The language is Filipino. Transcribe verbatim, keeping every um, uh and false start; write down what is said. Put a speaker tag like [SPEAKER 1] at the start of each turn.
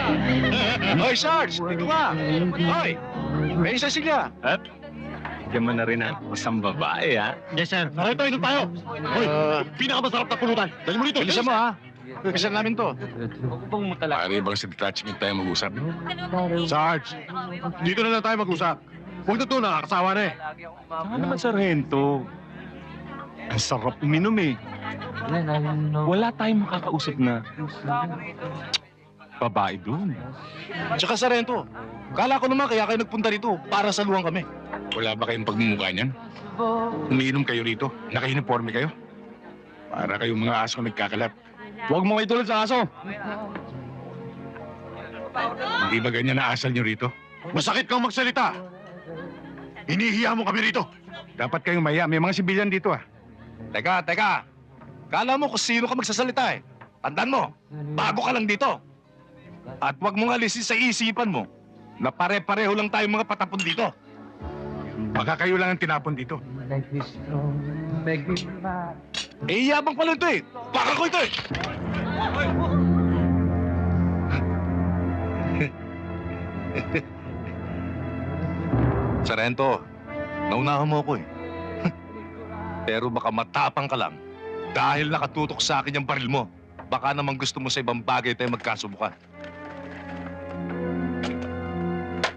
[SPEAKER 1] Hoy, Sarge! Dito ka! Hoy! May isa sila!
[SPEAKER 2] At, bigyan mo na rin ang isang babae, ha?
[SPEAKER 3] Yes, sir.
[SPEAKER 1] Narito, inom tayo! Hoy! pinakamasarap na pulutan! Dali mo dito! Bilisan mo, ha? Bilisan namin to.
[SPEAKER 4] Pare bang sa detachment tayo mag-usap?
[SPEAKER 1] Sarge! Dito na lang tayo mag-usap. Huwag na to, nakakasawa na eh.
[SPEAKER 2] Saka naman, Sargento. Ang sarap uminom, eh. Wala tayong makakausap na babae doon.
[SPEAKER 1] Tsaka Sarento, kala ko naman kaya kayo nagpunta rito para saluhan kami.
[SPEAKER 4] Wala ba kayong pagmumukha niyan? Umiinom kayo rito? Naka-uniforme kayo? Para kayong mga aso nagkakalat.
[SPEAKER 1] Huwag mo kayo tulad sa aso.
[SPEAKER 4] Hindi ba ganyan na asal niyo rito?
[SPEAKER 1] Masakit kang magsalita. Hinihiya mo kami rito.
[SPEAKER 4] Dapat kayong maya. May mga sibilyan dito, ah.
[SPEAKER 1] Teka, teka. Kala mo kung sino ka magsasalita eh. Tandaan mo, bago ka lang dito. At huwag mong alisin sa isipan mo na pare-pareho lang tayong mga patapon dito.
[SPEAKER 4] Baka kayo lang ang tinapon dito.
[SPEAKER 1] Eh, yabang pala ito eh. Baka ko ito eh. Sarento, naunahan mo ako eh. Pero baka matapang ka lang dahil nakatutok sa akin yung baril mo. Baka naman gusto mo sa ibang bagay tayo magkasubukan.